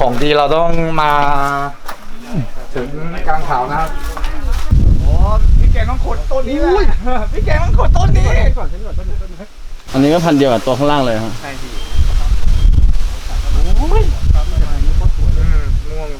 ของดีเราต้องมาถึงกลางเขานะครับโอ้พี่แกงต้องขุดต้นนี้เลยพี่แกงต้องขุดต้นนี้อันนี้ก็พันเดียวกับตัวข้างล่างเลยครับใช่พี่โอ้ยม่วง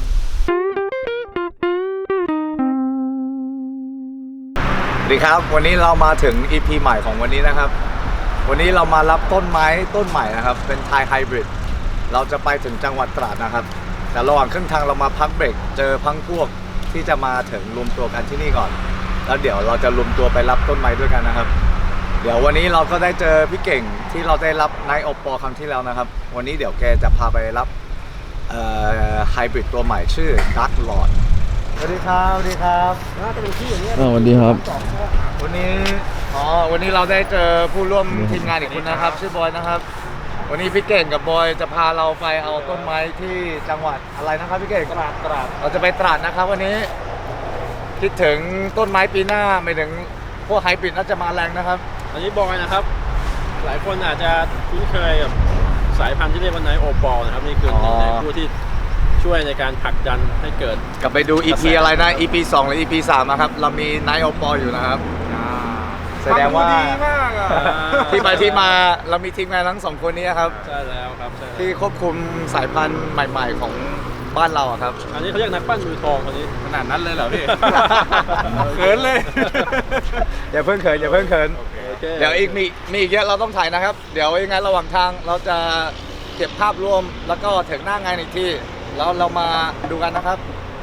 สวัสดีครับวันนี้เรามาถึง EP ใหม่ของวันนี้นะครับวันนี้เรามารับต้นไม้ต้นใหม่นะครับเป็นไทยไฮบริดเราจะไปถึงจังหวัดตราดนะครับแต่ระหว่างครึ่งทางเรามาพักเบรกเจอพังพวกที่จะมาถึงรวมตัวกันที่นี่ก่อนแล้วเดี๋ยวเราจะรวมตัวไปรับต้นไม้ด้วยกันนะครับเดี๋ยววันนี้เราก็ได้เจอพี่เก่งที่เราได้รับนายโอปอครั้งที่แล้วนะครับวันนี้เดี๋ยวแกจะพาไปรับไฮบริดตัวใหม่ชื่อ Dark Lord สวัสดีครับสวัสดีครับน่าจะเป็นที่อย่างนี้สวัสดีครับวันนี้เราได้เจอผู้ร่วมทีมงานอีกคนนะครับชื่อบอยนะครับวันนี้พี่เก่งกับบอยจะพาเราไปเอาต้นไม้ที่จังหวัดอะไรนะครับพี่เก่งตราดเราจะไปตราดนะครับวันนี้คิดถึงต้นไม้ปีหน้าไม่ถึงพวกไฮบริดน่าจะมาแรงนะครับอันนี้บอยนะครับหลายคนอาจจะคุ้นเคยกับสายพันธุ์ที่เรียกว่าไนโอปอลนะครับนี่คือหนึ่งในผู้ที่ช่วยในการผลักดันให้เกิดกลับไปดู EP อะไรนะ EP 2 หรือ EP 3นะครับเรามีไนโอปอลอยู่นะครับแสดงว่าดีมากที่ไปที่มาเรามีทีมงานทั้งสองคนนี้ครับใช่แล้วครับที่ควบคุมสายพันธุ์ใหม่ๆของบ้านเราครับอันนี้เขาเรียกนักปั้นมือทองคนนี้ขนาดนั้นเลยเหรอพี่เขินเลยอย่าเพิ่งเขินเดี๋ยวอีกมีอีกเยอะเราต้องถ่ายนะครับเดี๋ยวยังไงระหว่างทางเราจะเก็บภาพรวมแล้วก็ถึงหน้างานอีกที่แล้วเรามาดูกันนะครับ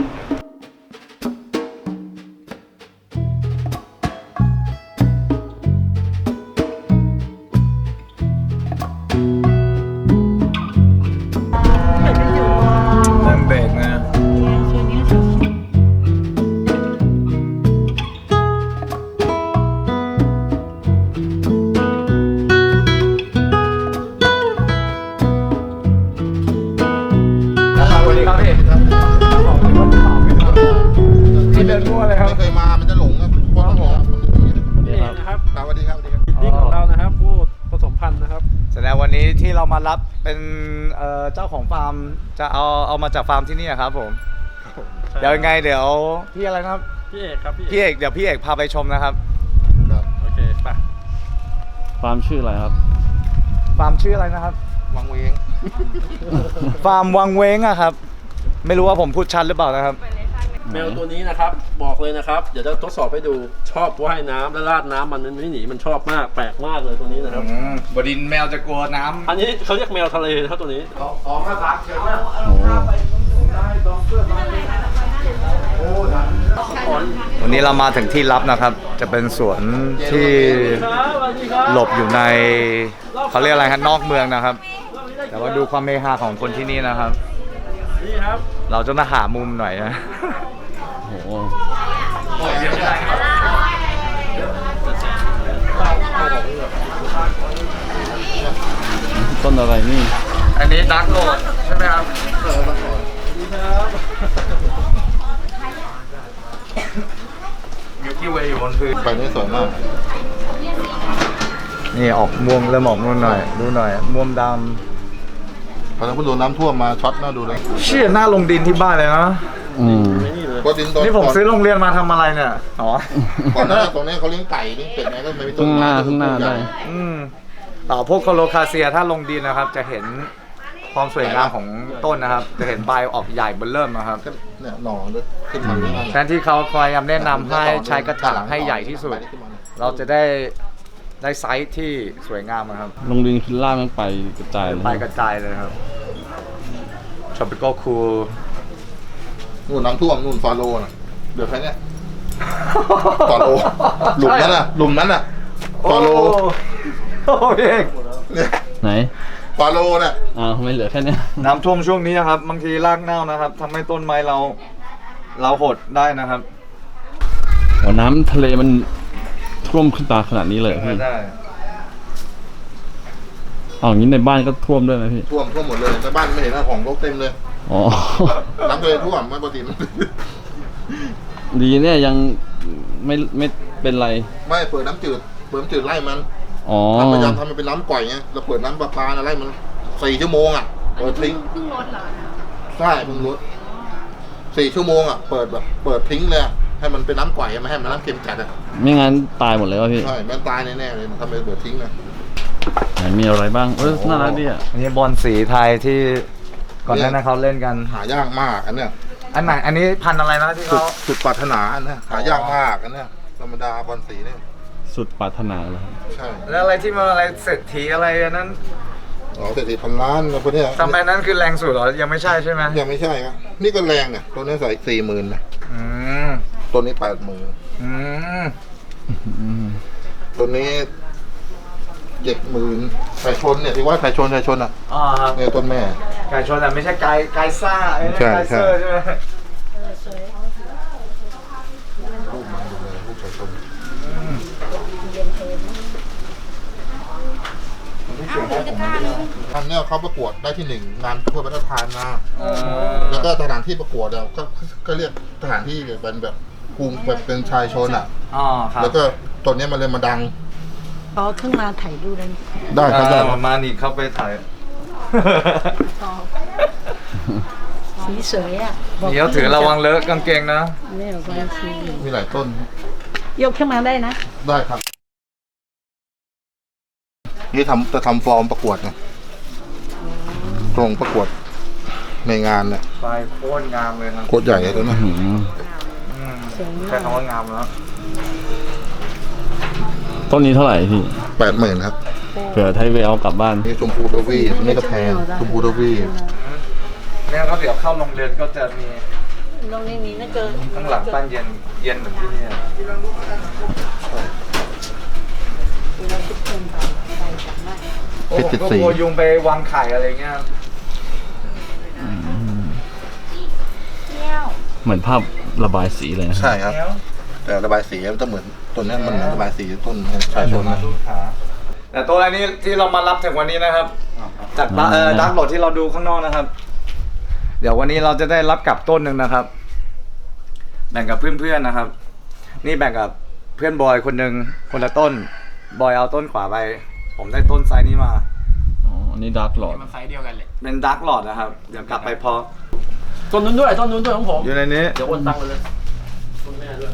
ที่เดินมั่วเลยครับไม่เคยมามันจะหลงครับนี่นะครับสวัสดีครับพิธีของเรานะครับผู้ผสมพันธุ์นะครับแสดงวันนี้ที่เรามารับเป็นเจ้าของฟาร์มจะเอามาจากฟาร์มที่นี่ครับผมเดี๋ยวยังไงเดี๋ยวพี่อะไรนะครับพี่เอกครับพี่เอกเดี๋ยวพี่เอกพาไปชมนะครับโอเคไปฟาร์มชื่ออะไรครับฟาร์มชื่ออะไรนะครับวังเวงฟาร์มวังเวงอะครับไม่รู้ว่าผมพูดชัดหรือเปล่านะครับแมวตัวนี้นะครับบอกเลยนะครับเดี๋ยวจะทดสอบให้ดูชอบว่ายน้ำและราดน้ำมันไม่หนีมันชอบมากแปลกมากเลยตัวนี้นะครับบดินแมวจะกลัวน้ำอันนี้เขาเรียกแมวทะเลนะครับตัวนี้ออกมาพักเชิญนะวันนี้เรามาถึงที่ลับนะครับจะเป็นสวนที่หลบอยู่ในเขาเรียกอะไรครับนอกเมืองนะครับแต่ว่าดูความเมฮาของคนที่นี่นะครับนี่ครับเราจะมาหามุมหน่อยนะโอ้โหต้นอะไรนี่อันนี้ดาร์กโรดใช่ไหมครับมิลกี้เวย์อยู่บนพื้นไปนี่สวยมากนี่ออกม่วงเริ่มออกม่วงหน่อยดูหน่อยม่วงดำพอเราพูดดูน้ำท่วมมาช็อตน่าดูเลยเชี่ยหน้าลงดินที่บ้านเลยนะนี่ผมซื้อโรงเรียนมาทำอะไรเนี่ยอ๋อก่อนหน้าตรงนี้เขาเลี้ยงไก่เลี้ยงเป็ดไงก็ไม่มีต้นข้างหน้าได้ต่อพวกโคโลคาเซียถ้าลงดินนะครับจะเห็นความสวยงามของต้นนะครับจะเห็นใบออกใหญ่เบิ่มเริ่มนะครับเนี่ยหน่อด้วยขึ้นมาแทนที่เขาคอยแนะนำให้ใช้กระถางให้ใหญ่ที่สุดเราจะได้ไซส์ที่สวยงามนะครับลงดินขึ้นล่างมันไปกระจายเลยครับ tropical cool นู่นน้ำท่วมนู่นฟาโรน่ะเดือดแค่นี้ฟาโรหลุมนั้นน่ะฟาโรโอ้ยไหนฟาโรน่ะไม่เหลือแค่นี้น้ำท่วมช่วงนี้นะครับบางทีรากเน่านะครับทำให้ต้นไม้เราหดได้นะครับน้ำทะเลมันท่วมขึ้นตาขนาดนี้เลยพี่ได้อย่างนี้ในบ้านก็ท่วมด้วยไหมพี่ท่วมหมดเลยในบ้านไม่เห็นนะของรกเต็มเลยน้ำทะเลท่วมไม่ปกติดีเนี่ยยังไม่เป็นไรไม่เปิดน้ำจืดไล่มันพยายามทำมันเป็นน้ำก่อยไงเราเปิดน้ำประปาไล่มัน4 ชั่วโมงอ่ะเปิดทิ้งเพิ่งลดเหรอใช่เพิ่งลด4 ชั่วโมงอ่ะเปิดทิ้งเลยให้มันเป็นน้ำก่อยไม่ให้มันน้ำเค็มจัดอ่ะไม่งั้นตายหมดเลยวะพี่ใช่มันตายแน่ๆเลยทำไมเปิดทิ้งนะไหนมีอะไรบ้างน่ารักดีอ่ะอันนี้บอลสีไทยที่ก่อนหน้านั้นเขาเล่นกันหายากมากอันเนี้ยอันไหนอันนี้พันธุ์อะไรนะที่เขาสุดปรารถนาอันเนี้ยหายากมากอันเนี้ยธรรมดาบอลสีเนี่ยสุดปรารถนาเลยใช่แล้วอะไรที่มันอะไรเศรษฐีอะไรอันนั้นอ๋อเศรษฐีพันล้านอะไรพวกเนี้ยทำไมนั้นคือแรงสุดเหรอยังไม่ใช่ใช่ไหมยังไม่ใช่ครับนี่ก็แรงเนี่ยตัวนี้ใส่40,000นะอืมตัวนี้80,000 อืมตัวนี้70,000ไก่ชนเนี่ยที่ว่าไก่ชนอ่ะอ่าครับเนี่ยต้นแม่ไก่ชนแต่ไม่ใช่ไก่ซ่าไอ้นั่นใช่ไก่เซอร์ใช่ไหมลูกมันดูเลยลูกไก่ชนอันเนี้ยเขาประกวดได้ที่ 1 งานทั่วประเทศไทยมาแล้วก็สถานที่ประกวดเนี่ยก็เรียกสถานที่เป็นแบบภูมิแบบเป็นชายชนอ่ะอ๋อครับแล้วก็ตัวเนี้ยมันเลยมาดังอ๋อขึ้นมาถ่ายรูปได้ไหมได้ครับได้มานี่เข้าไปถ่ายอ๋อสีสวยอ่ะบอกเดี๋ยวถือระวังเลอะกางเกงนะไม่เอาความสีมีหลายต้นยกขึ้นมาได้นะได้ครับ นี่จะทำฟอร์มประกวดไงตรงประกวดในงานเนี่ยไฟโคตรงามเลยครับโคตรใหญ่เลยตัวนะอืมใช้คำว่างามแล้วต้นนี้เท่าไหร่พี่ 80,000ครับเผื่อไทยไปเอากลับบ้านนี่ชมพูดวีนี่ก็แพงชมพูดวีเนี่ยก็เดี๋ยวเข้าโรงเรียนก็จะมีตรงนี้มีนะเกินข้างหลังปั้นเย็นเหมือนที่นี่เราคิดเพิ่มไปจำได้โอ้ผมก็กลัวยุงไปวางไข่อะไรเงี้ยเหมือนภาพระบายสีเลยนะใช่ครับ แต่ระบายสีมันจะเหมือนต้นนี้มันเหมือนระบายสีต้นชายชนนะแต่ตัวอันนี้ที่เรามารับถึงวันนี้นะครับ จากดักโหลดที่เราดูข้างนอกนะครับ เดี๋ยววันนี้เราจะได้รับกลับต้นหนึ่งนะครับ แบ่งกับเพื่อนๆนะครับ นี่แบ่งกับเพื่อนบอยคนหนึ่งคนละต้น บอยเอาต้นขวาไป ผมได้ต้นไซส์นี้มาอ๋ออันนี้ดาร์กหลอดเป็นดักโหลดนะครับ เดี๋ยวกลับไปพอต้นนู้นด้วยของผมอยู่ในนี้เดี๋ยวโอนตังค์ไปเลยต้นแม่ด้วย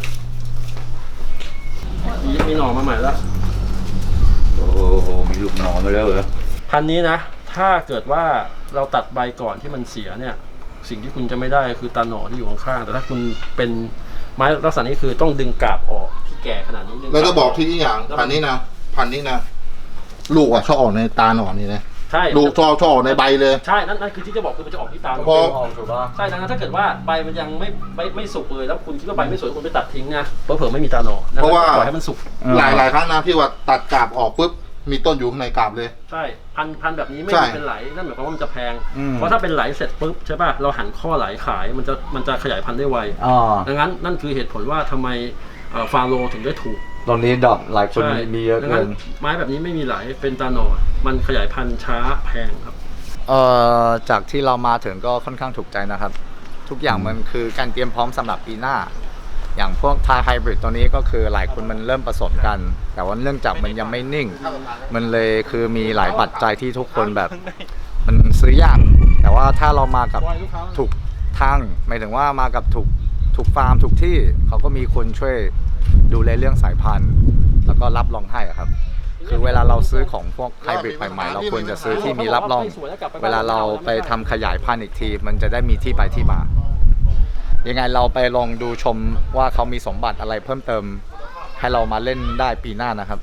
มีหน่อมาใหม่แล้วโอ้โหมีลูกหนอนมาแล้วเหรอพันธุ์นี้นะ ถ้าเกิดว่าเราตัดใบก่อนที่มันเสียเนี่ย สิ่งที่คุณจะไม่ได้คือตาหน่อที่อยู่ข้างๆแต่ถ้าคุณเป็นไม้ลักษณะนี้คือต้องดึงกาบออกที่แก่ขนาดนี้ดึงแล้วก็บอกาที่นี่อย่างพันนี้นะลูกอ่ะชอบออกในตาหนอนนี่นะใช่ลูกชอบออกในใบเลยใช่นั่นคือที่จะบอกคือมันจะออกที่ตาหน่พอถูกป่ะใช่ดังนั้นถ้าเกิดว่าใบมันยังไม่สุกเลยแล้วคุณคิดว่าใบไม่สวยคุณไปตัดทิ้งนะเผื่อไม่มีตาหน่อดังนั้นเพราะว่าปล่อยให้มันสุกหลายครั้งนะที่ว่าตัดกาบออกปุ๊บมีต้นอยู่ข้างในกาบเลยใช่พันแบบนี้ไม่ใช่มีเป็นไหลนั่นหมายความว่ามันจะแพง เพราะถ้าเป็นไหลเสร็จปุ๊บใช่ป่ะเราหันข้อไหลขายมันจะขยายพันธุ์ได้ไวอ๋อดังนั้นนั่นคือเหตุผลว่าทำไมฟาโรถึงได้ถูกตรงนี้ดอกหลายคนใช่มีเยอะดังเกินั้นนไม้แบบนี้ไม่มีไหลเป็นตาหน่อมันขยายพันธุ์ช้าแพงครับจากที่เรามาถึงก็ค่อนข้างถูกใจนะครับ ทุกอย่างมันคือการเตรียมพร้อมสำหรับปีหน้า อย่างพวกไทยไฮบริดตัวนี้ก็คือหลายคนมันเริ่มผสมกัน แต่ว่าเนื่องจากมันยังไม่นิ่ง มันเลยคือมีหลายปัจจัยที่ทุกคนแบบ มันซื้อยากแต่ว่าถ้าเรามากับถูกทางหมายถึงว่ามากับถูกฟาร์มถูกที่เขาก็มีคนช่วยดูแลเรื่องสายพันธุ์ แล้วก็รับรองให้อะครับ คือเวลาเราซื้อของพวกไฮบริดใหม่ๆเราควรจะซื้อที่มีรับรอง เวลาเราไปทำขยายพันธุ์อีกที มันจะได้มีที่ไปที่มา ยังไงเราไปลองดูชมว่าเขามีสมบัติอะไรเพิ่มเติม ให้เรามาเล่นได้ปีหน้านะครับ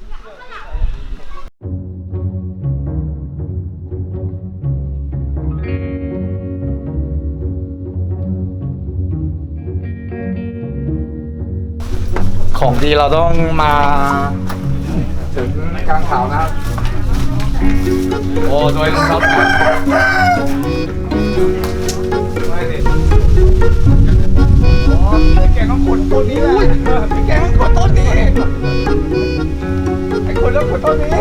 ของดีเราต้องมาถึงกลางเขานะครับ โอ้โดยรองเท้าแตะพี่แกต้องขุดต้นนี้แหละพี่แกต้องขุดต้นนี้ไอ้คนแล้วขุดต้นนี้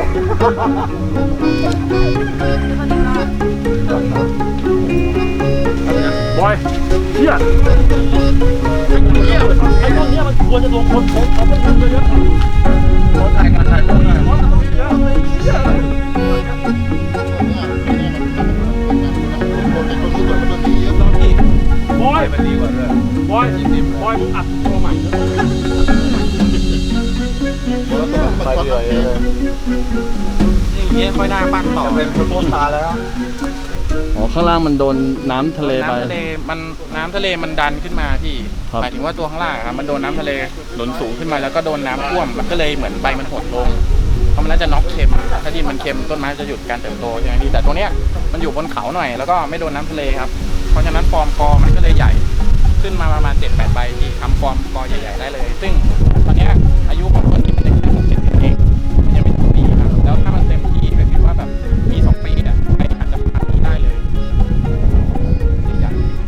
บอยเชี่ยไอ้พวกเนี้ยมันควรจะลงคนเขาเป็นคนเยอะเขาถ่ายกันถ่ายรูปหน่อยเพราะมันเยอะเลยเชี่ยต้นนี้สวยกว่าต้นนี้เยอะลองอีกมันดีกว่าด้วยบอยมึงอัดตัวใหม่ด้วยไปเรื่อยเลยอย่างเงี้ยค่อยหน้าปั้นต่อจะเป็นโปสตาร์แล้วอ๋อข้างล่างมันโดนน้ำทะเลไปน้ำทะเลมันดันขึ้นมาพี่ครับหมายถึงว่าตัวข้างล่างอะครับมันโดนน้ำทะเลหนุนสูงขึ้นมาแล้วก็โดนน้ำท่วมมันก็เลยเหมือนใบมันหดลงเพราะมันน่าจะน็อกเค็มถ้าดินมันเค็มต้นไม้จะหยุดการเติบโตใช่ไหมพี่แต่ตัวเนี้ยมันอยู่บนเขาหน่อยแล้วก็ไม่โดนน้ำทะเลครับเพราะฉะนั้นฟอร์มกอมันก็เลยใหญ่ขึ้นมาประมาณ 7-8 ใบที่ทำฟอร์มกอใหญ่ๆได้เลย ซึ่งตอนเนี้ยอายุของต้นนี้มันยังแค่6-7 ปีเองมันยังไม่ถึงปีครับแล้วถ้ามันเต็มที่ก็คือว่าแบบปี2 ปีเนี่ยไม่อาจจะพันนี้ได้เลยใหญ่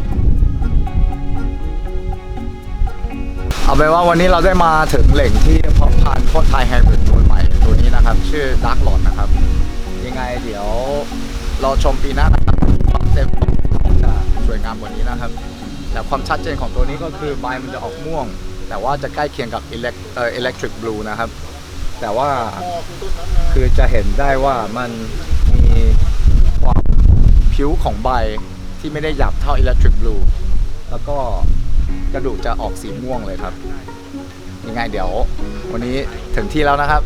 เอาเป็นว่าวันนี้เราได้มาถึงแหล่งที่เพาะพันธุ์ต้นไทยไฮบริดตัวใหม่ตัวนี้นะครับ ชื่อดาร์กหลอดนะครับ ยังไงเดี๋ยวเราชมปีหน้านะครับความเต็มจะสวยงามกว่านี้นะครับ แต่ความชัดเจนของตัวนี้ก็คือใบมันจะออกม่วง แต่ว่าจะใกล้เคียงกับelectric blue นะครับ แต่ว่าคือจะเห็นได้ว่ามันมีความผิวของใบที่ไม่ได้หยาบเท่า electric blue แล้วก็กระดูกจะออกสีม่วงเลยครับ ยังไงเดี๋ยววันนี้ถึงที่แล้วนะครับ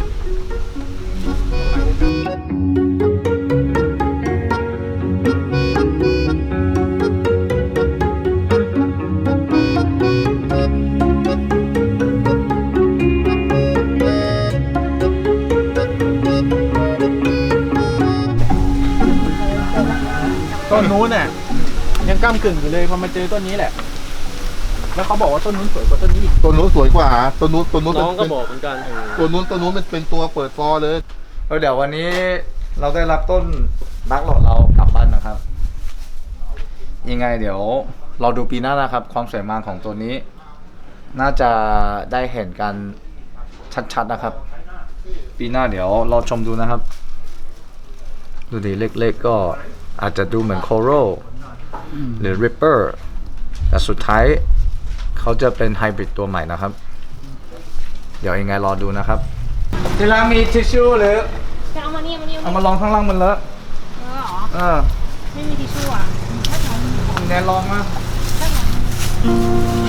ต้นนู้นน่ะยังก้ำกึ่งอยู่เลยพอมาเจอต้นนี้แหละ แล้วเขาบอกว่าต้นนู้นสวยกว่าต้นนี้อีกตัวนู้นสวยกว่าตัวนู้นน้องก็บอกเหมือนกันตัวนู้นมันเป็นตัวเปิดฟอร์เลยเดี๋ยววันนี้เราได้รับต้นดักหลอดเรากลับบ้านนะครับ ยังไงเดี๋ยวเราดูปีหน้านะครับ ความสวยงามของตัวนี้ น่าจะได้เห็นกันชัดๆนะครับ ปีหน้าเดี๋ยวเราชมดูนะครับ ดูดีเล็กๆก็อาจจะดูเหมือนโคโรหรือริปเปอร์แต่สุดท้ายเขาจะเป็นไฮบริดตัวใหม่นะครับ เดี๋ยวยังไงรอดูนะครับที่ร้านมีทิชชู่หรือจะเอามานี่เอามานี่เอามาลองข้างล่างมันเลอะเหรอเออไม่มีทิชชู่อ่ะถ้าทำแนนลองมาถ้าทำ